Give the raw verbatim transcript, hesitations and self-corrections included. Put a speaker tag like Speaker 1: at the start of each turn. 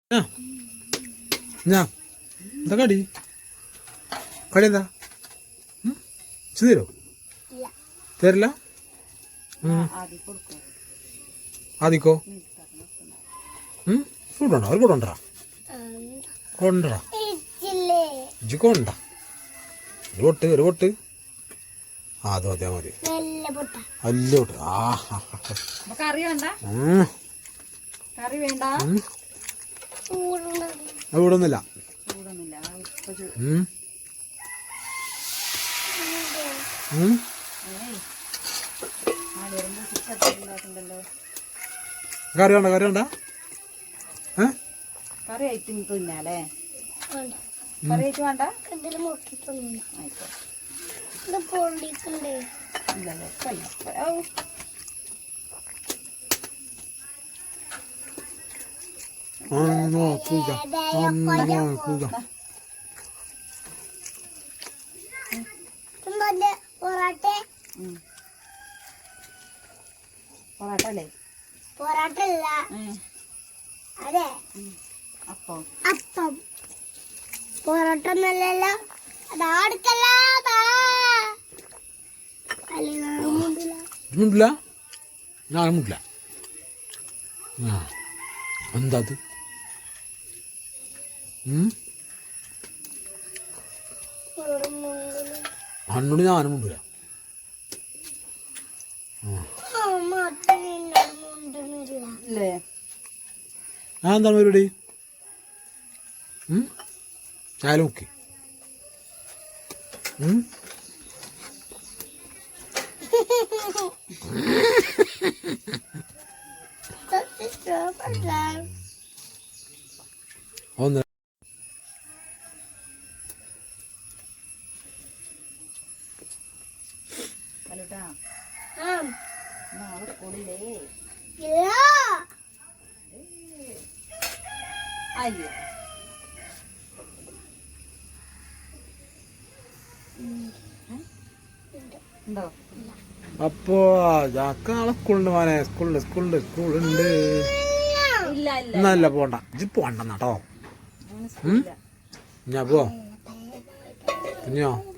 Speaker 1: ഞാ എന്താ കടി കടി എന്താ തരോ തരില്ല ആദിക്കോ കൊണ്ടോ അവർ കൊണ്ടോ കൊണ്ടടാ ഇജ്ജ് കൊണ്ട ഒരു പൊട്ട് ഒരു പൊട്ട് ആ അത് മതി മതി അല്ല പൊട്ട് ആ ചൂടൊന്നുമില്ല കറി വേണ്ട കറി വേണ്ട
Speaker 2: കറി ആയിട്ട് തിന്നാലേ കറി ആയിട്ട് വേണ്ട പൊറാട്ട അല്ലേ
Speaker 3: പൊറാട്ട അല്ല അതെ
Speaker 2: അപ്പം
Speaker 3: അപ്പം പൊറോട്ട ഒന്നല്ലല്ലോ അതാ അടുക്കല്ല
Speaker 1: മുണ്ടില്ല ഞാൻ മുണ്ടില്ല ആ എന്താ അത് അന്നോട് ഞാനും മുണ്ടില്ല ഞാൻ എന്താണ് പരിപാടി ചായ നോക്കി ഒന്ന്
Speaker 2: നാളെ കൂടില്ലേ അയ്യോ ഉണ്ടോ
Speaker 1: അപ്പോ ചാക്ക നാളെ സ്കൂളുണ്ട് മോനെ സ്കൂളുണ്ട് സ്കൂളുണ്ട് സ്കൂളുണ്ട് എന്നല്ല പോണ്ട ഇജ്ജ് പോണ്ടെന്നാട്ടോ ഞാൻ പോ കുഞ്ഞോ